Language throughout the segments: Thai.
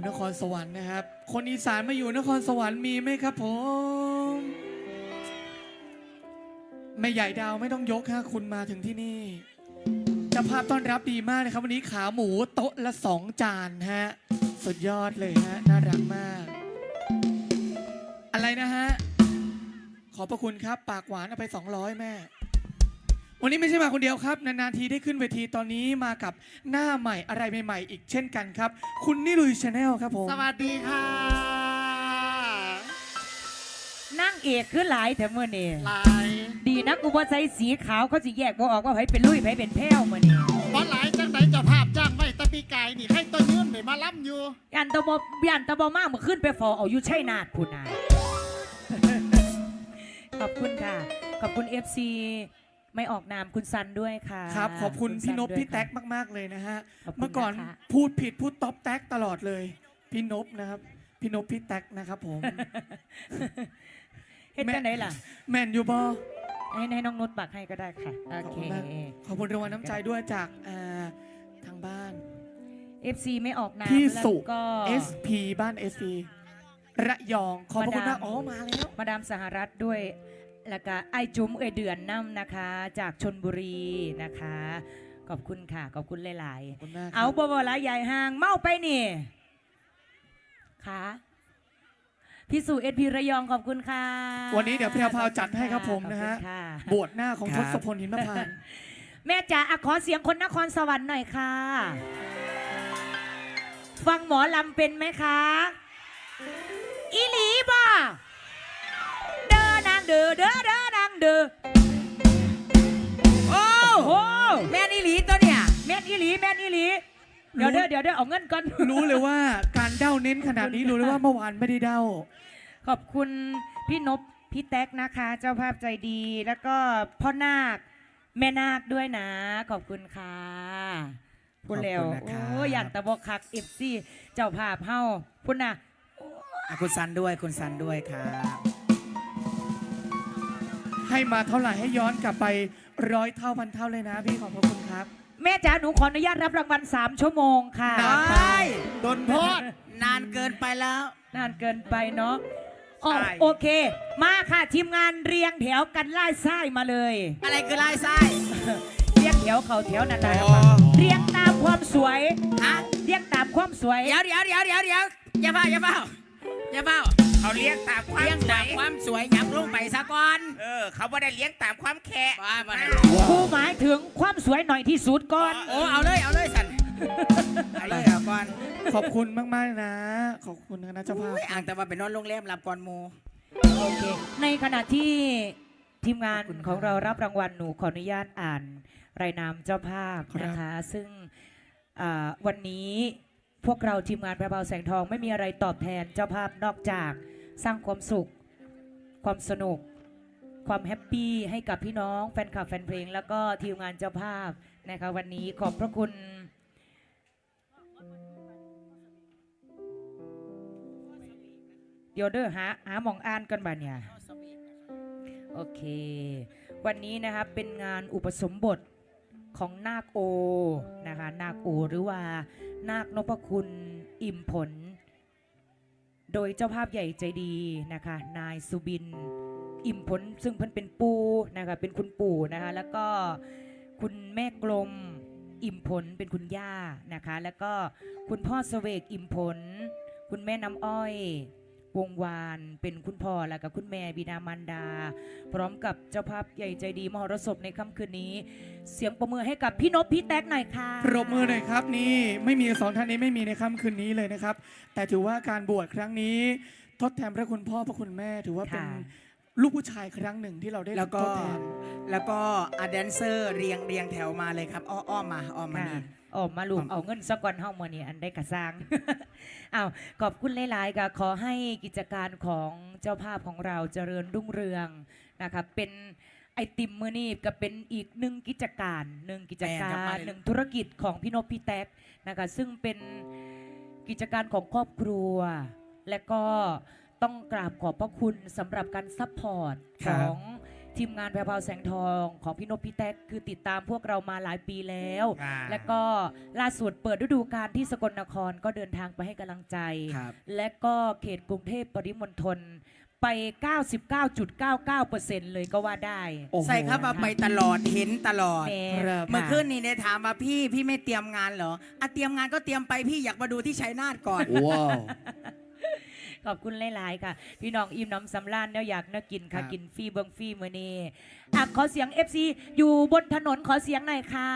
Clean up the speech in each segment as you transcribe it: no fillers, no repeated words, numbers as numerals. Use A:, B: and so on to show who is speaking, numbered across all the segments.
A: นครสวรรค์นะครับคนอีสานมาอยู่นครสวรรค์มีไหมครับผมแม่ใหญ่ดาวไม่ต้องยกฮะคุณมาถึงที่นี่เจ้าภาพต้อนรับดีมากนะครับวันนี้ขาหมูโต๊ะละ2 จานฮะสุดยอดเลยฮะน่ารักมากอะไรนะฮะขอบพระคุณครับปากหวานเอาไป200แม่วันนี้ไม่ใช่มาคนเดียวครับนานๆทีได้ขึ้นเวทีตอนนี้มากับหน้าใหม่อะไรใหม่ๆอีกเช่นกันครับคุณนิลุยชาแนลครับผม
B: สวัสดีค่ะ
C: นั่งเอกคือหลายแต่เมื่อนี่
B: ลาย
C: ดีนะกูว่าใส่สีขาวเขาจะแยกบ่ออกว่าไผเป็นลุยไผเป็นแพ้วเมื่อนี่
B: บอลหลายจังไหนเจะภาพจ้างไว้ตะปีไก่นี่ให้ตัวยืนไปมาล้ำอยู่
C: ยันตะบมากเมื่อขึ้นไปฟอเอาอยู่ชัยนาทพูดนายขอบคุณค่ะขอบคุณ FC ไม่ออกนามคุณซันด้วยค่ะ
A: ครับขอบคุณพี่นพพี่แท็กมากๆเลยนะฮะเมื่อก่อนพูดผิดพูดต๊อปแท็กตลอดเลยพี่นพนะครับพี่นพพี่แท็กนะครับผม
C: เฮ็ดจังไหนล่ะ
A: แมนยูบอ
C: ให้น้องนุชบักให้ก็ได้ค่ะโอเค
A: ขอบคุณรางวัลน้ำใจด้วยจากทางบ้าน
C: FC ไม่ออกนาม
A: พี่สุ
C: ก็
A: SP บ้าน SP ระยองขอบคุณมากอ๋อมาแล้ว
C: มาดามสหรัฐด้วยแล้วก็ไอจุ๋มเดือนน้ำนะคะจากชลบุรีนะคะขอบคุณค่ะขอบคุณหลายๆเอาบ่ละใหญ่ห่างเมาไปนี่ค่ะพี่สุSPระยองขอบคุณค่ะ
A: วันนี้เดี๋ยวพี่พาวจัดให้ครับผมนะฮะบวชหน้าของทศพลหินมะพานต์
C: แม่จ๋าขอเสียงคนนครสวรรค์หน่อยค่ะฟังหมอลำเป็นไหมคะอีหลีบ่เด้อนางเด้อเด้อเด้อนางเด้อโอ้โหแม่นอีหลีตัวเนี่ยแม่นอีหลีแม่นอีหลีเดี๋ยวเอาเงินก่อน
A: รู้เลยว่าการเด้าเน้นขนาดนี้รู้เลยว่าเมื่อวานไม่ได้เด้า
C: ขอบคุณพี่นพพี่แท็กนะคะเจ้าภาพใจดีแล้วก็พ่อนาคแม่นาคด้วยนะขอบคุณค่ะพูดแล้วโอ้ยันตะบกคักFCเจ้าภาพเฮาพูดนะ
D: คุณซันด้วยคุณซันด้วยครับ
A: ให้มาเท่าไหร่ให้ย้อนกลับไป100 เท่าพันเท่าเลยนะพี่ขอบพระคุณครับ
C: แม่จ๋าหนูขออนุญาตรับรางวัล3 ชั่วโมงค่ะ
D: ได้โดนโทษนานเกินไปแล้ว
C: นานเกินไปเนาะโอเคมาค่ะทีมงานเรียงแถวกันไล่ไส้มาเลย
D: อะไรคือไล่ไส้
C: เรียงแถวเขาแถวนั่นแหละเรียงตามความสวยเรียงตามความสวย
D: เดี๋ยวอย่าเฝ้าเขาเลี้ยงตามความสวยยับลงไปซะก่อนเขาไม่ได้เลี้ยงตามความแค่
C: ครูหมายถึงความสวยหน่อยที่สุดก่อน
D: เอาเลยสันเอาเลยก่อน
A: ขอบคุณมากๆนะขอบคุณนะเจ้าภาพ
D: อ่างแต่ว่าเป็นนอนโรงแรมรับก่อนโม
C: โอเคในขณะที่ทีมงานของเรารับรางวัลหนูขออนุญาตอ่านรายนามเจ้าภาพนะคะซึ่งวันนี้พวกเราทีมงานแพรวแสงทองไม่มีอะไรตอบแทนเจ้าภาพนอกจากสร้างความสุขความสนุกความแฮปปี้ให้กับพี่น้องแฟนคลับแฟนเพลงแล้วก็ทีมงานเจ้าภาพนะคะวันนี้ขอบพระคุณเดี๋ยวเด้อหาหมองอ่านกันบ้าเนี่ยโอเควันนี้นะครับเป็นงานอุปสมบทของนาคโอนะคะนาคโอหรือว่านาคนพคุณอิ่มผลโดยเจ้าภาพใหญ่ใจดีนะคะนายสุบินอิ่มผลซึ่งเพิ่นเป็นปู่นะคะเป็นคุณปู่นะคะแล้วก็คุณแม่กลมอิ่มผลเป็นคุณย่านะคะแล้วก็คุณพ่อเสวกอิ่มผลคุณแม่น้ำอ้อยวงวานเป็นคุณพ่อและกับคุณแม่บิดามารดาพร้อมกับเจ้าภาพใหญ่ใจดีมหรสพในค่ำคืนนี้เสียงประมือให้กับพี่นพพี่แท็กหน่อยค่ะ
A: ปรบมือหน่อยครับนี่ไม่มี2 ท่านนี้ไม่มีในค่ำคืนนี้เลยนะครับแต่ถือว่าการบวชครั้งนี้ทดแทนพระคุณพ่อพระคุณแม่ถือว่าเป็นลูกผู้ชายครั้งหนึ่งที่เราได้ทดแทน
D: แล้วก็แดนเซอร์เรียงแถวมาเลยครับอ้อมมานี่
C: มาลูกเอาเงินสักก่อนเฮ้ามือนี่อันได้กระซังเอาขอบคุณหลายๆก็ขอให้กิจการของเจ้าภาพของเราเจริญรุ่งเรืองนะคะเป็นไอติมมือนี่ก็เป็นอีกหนึ่งกิจการหนึ่งธุรกิจของพี่นพพี่แท็กนะคะซึ่งเป็นกิจการของครอบครัวและก็ต้องกราบขอบพระคุณสำหรับการซัพพอร์ตของทีมงานแพรวพราวแสงทองของพี่นพพี่แท็กคือติดตามพวกเรามาหลายปีแล้ว
D: ค่ะ
C: แล้วก็ล่าสุดเปิดฤดูกาลที่สกลนครก็เดินทางไปให้กำลังใจ
D: ครับ
C: และก็เขตกรุงเทพปริมณฑลไป 99.99% เลยก็ว่าได้
A: โอ้โห
E: ใส่เข้ามาไปตลอดเห็นตลอด
C: แหม
A: ครับ
E: เมื่อคืนนี้ได้ถามมาพี่ไม่เตรียมงานเหรออ่ะเตรียมงานก็เตรียมไปพี่อยากมาดูที่ชัยนาทก่อน
A: ว้าว
C: ขอบคุณหลาย ๆ ค่ะ พี่น้องอิ่มน้ำสำราญแล้วอยากน่ากิน
E: ครั
C: ค่ะ
E: บ
C: กินฟรีเบิงฟรีมือนี้อ่ะขอเสียง FC อยู่บนถนนขอเสียงหน่อยค่ะ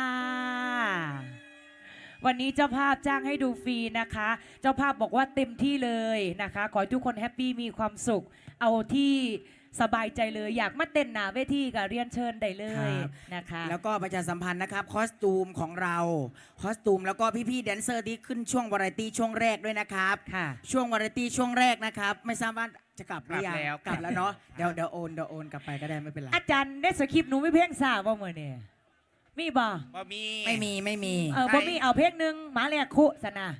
C: วันนี้เจ้าภาพจ้างให้ดูฟรีนะคะ เจ้าภาพบอกว่าเต็มที่เลยนะคะ ขอให้ทุกคนแฮปปี้มีความสุข เอาที่สบายใจเลยอยากมาเต้นหนาเวทีก็เรียนเชิญได้เลยนะคะ
E: แล้วก็ประชาสัมพันธ์นะครับคอสตูมของเราคอสตูมแล้วก็พี่ๆแดนเซอร์ที่ขึ้นช่วงวาไรตี้ช่วงแรกด้วยนะครับ
C: ค่ะ
E: ช่วงวาไรตี้ช่วงแรกนะครับไม่ทราบว่าจะกลับหรือยัง
D: กลับแล้ว
E: เนาะเดี๋ยวโอนกลับไปก็ได้ไม่เป็นไร
C: อาจารย์ได้สคริปต์หนูไม่เพ่งสาวบ่มือเนี่ยมีบ่
D: บ่มี
E: ไม่มี
C: บ่มีเอาเพลงหนึ่งหมาแรกคุสนะ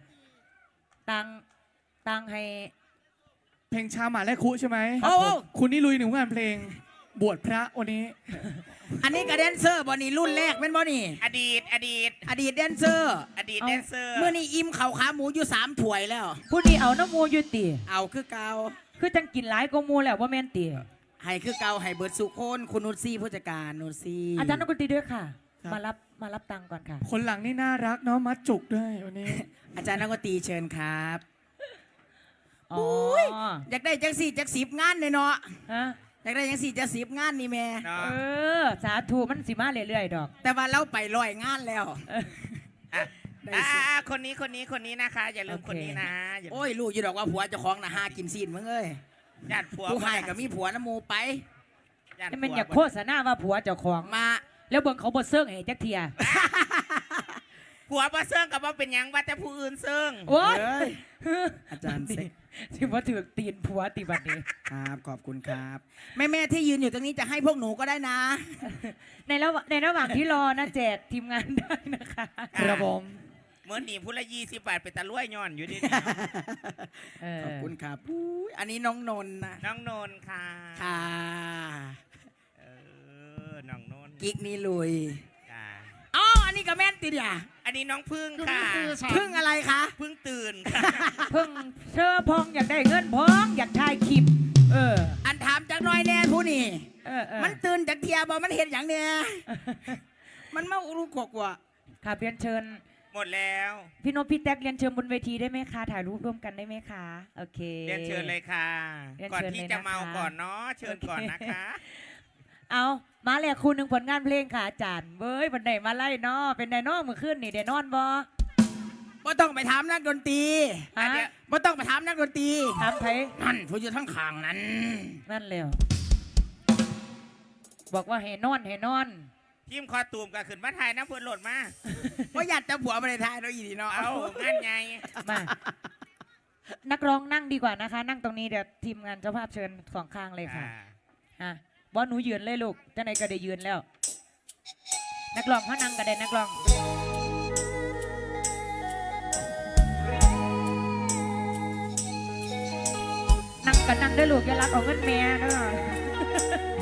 C: ตังให้
A: เพลงชาหมาและคุใช่ไหม
E: โอ้
A: คุณนี่ลุยหนึ่งงานเพลงบวชพระวันนี้
E: อันนี้กับแดนเซอร์บอนี่รุ่นแรกเป็นบอนี่
D: อดีต
E: อดีตแดนเซอร์
D: อดีตแดนเซอร์
E: เมื่อนี้อิ่มเข่าขาหมูอยู่3ถ้วยแล้ว
C: ผู้นี้เอาน้ำมูยุติ
E: เอาคือเกา
C: คือจังกินหลายก็มูแล้วว่าแม่นติ
E: ให้คือเกาให้เบิร์ดสุโคนคุณนุชซี่ผู้จัดการนุชซี่
C: อาจารย์นักดนตรีด้วยค่ะ
A: ครับ
C: มารับตังค์ก่อนค่ะ
A: คนหลังนี่น่ารักเนาะมัดจุกด้วยวันนี้
E: อาจารย์นักดนตรีเชิญครับ
C: อ๋อ
E: อยากได้จังสี่จัก10 งานเลยเนาะ
C: ฮะ
E: อยากได้จังสี่จัก10 งานนี่แม่
D: เนาะ
C: เออ สาธุมันสิมาเรื่อยๆดอก
E: แต่ว่าเราไป100 งานแล้ว
D: อ่ะ
E: ได้
D: อ่ะ
E: สิ
D: คนนี้นะคะ อย่าลืมคนนี้นะอย่าลืม
E: โอ้ยลูกอยู่ดอกว่าผัวเจะคล้าของนะหากินซีนมึงเอ้ย
D: ญาติผัว
E: ผู้ให้ก็มีผัวน้ำหมูไป
D: ญาติ
C: นี่มัน
D: ผัว
C: อยากโฆษณาว่าผัวเจ้าของ
E: มา
C: แล้วเบิ่งเขาบ่เซิงให้จักเทีย
D: ผัวบ่เซิงกับบ่เป็นหยังว่าแต่ผู้อื่นเซิง
C: โอ้ย
E: เอ้ยอาจารย์เซ็ก
C: สิบ่ถือตีนผัวติบัดนี้
E: ครับขอบคุณครับ แม่ที่ยืนอยู่ตรงนี้จะให้พวกหนูก็ได้นะ
C: ในระหว่างที่รอนะแจกทีมงานได้นะคะ
A: ครับผม
D: เหมือนหนีผู้ละ20 บาทไปตะลุ่ยย้อนอยู่ดิ
C: เออ
E: ขอบคุณครับอุ๊ยอันนี้น้องนนท์นะ
D: น้องนนท์ค่ะ
E: ค่ะ
D: เออน้องนนท์
E: กิ๊กนี่ลุย
D: จ้า
E: อ๋ออันนี้ก็แม่นติดอ่ะ
D: อันนี้น้องพึ่งค่ะ
E: พึ่งอะไรคะ
D: พึ่งตื่นค่ะ
C: เพิ่งเชื่อพองอยากได้เงินพองอยากถ่ายคลิป เออ
E: อันถามจากหน้อยแน่ผู้นี่
C: เออ
E: มันตื่นจากเทียบอมันเห็นอย่างเนี้ยมันมาอุรุกกว่า
C: ค่ะเรียนเชิญ
D: หมดแล้ว
C: พี่นพพี่แท็กเรียนเชิญบนเวทีได้ไหมคะถ่ายรูปร่วมกันได้ไหมคะโอเค
D: เรียนเชิญเลยค่ะ
C: เรียน
D: ก่อน
C: เชิญ
D: ที่
C: เลย
D: จะ
C: นะคะ
D: เมาก่อนเนาะเชิญก่อนนะคะ
C: เอามาแหละคุณหนึ่งผลงานเพลงค่ะอาจารย์เว้ยวันไหนมาไล่เนาะเป็นไดเนอเมื่อคืนนี่เดนอนบอ
E: บ่ต้องไปถามนักดนตรี
C: ฮะ
E: บ่ต้องไปถามนักดนตรี
C: ถามไทย
E: นั่นผู้อยู่ทั้งข้างนั้น
C: นั่นเลยบอกว่าให้นอนให้นอน
D: ทีมคอตูมก็ขึ้นมาถ่ายน้ำเพื่อนโหลดมา
E: ว่าอยากจะผัวมาในไทยเราอีดีเนาะ
D: เอางานไง
C: มานักร้องนั่งดีกว่านะคะ นั่งตรงนี้เดี๋ยวทีมงานเจ้าภาพเชิญสองข้างเลยค่ะอ่ะบอสหนูยืนเลยลูกเจ้าไหนก็ได้ยืนแล้ว นักร้องเขานั่งก็ได้นักร้องนั่งกันนั่งได้อลูกอย่ารักเอาเงินแม่เด้อ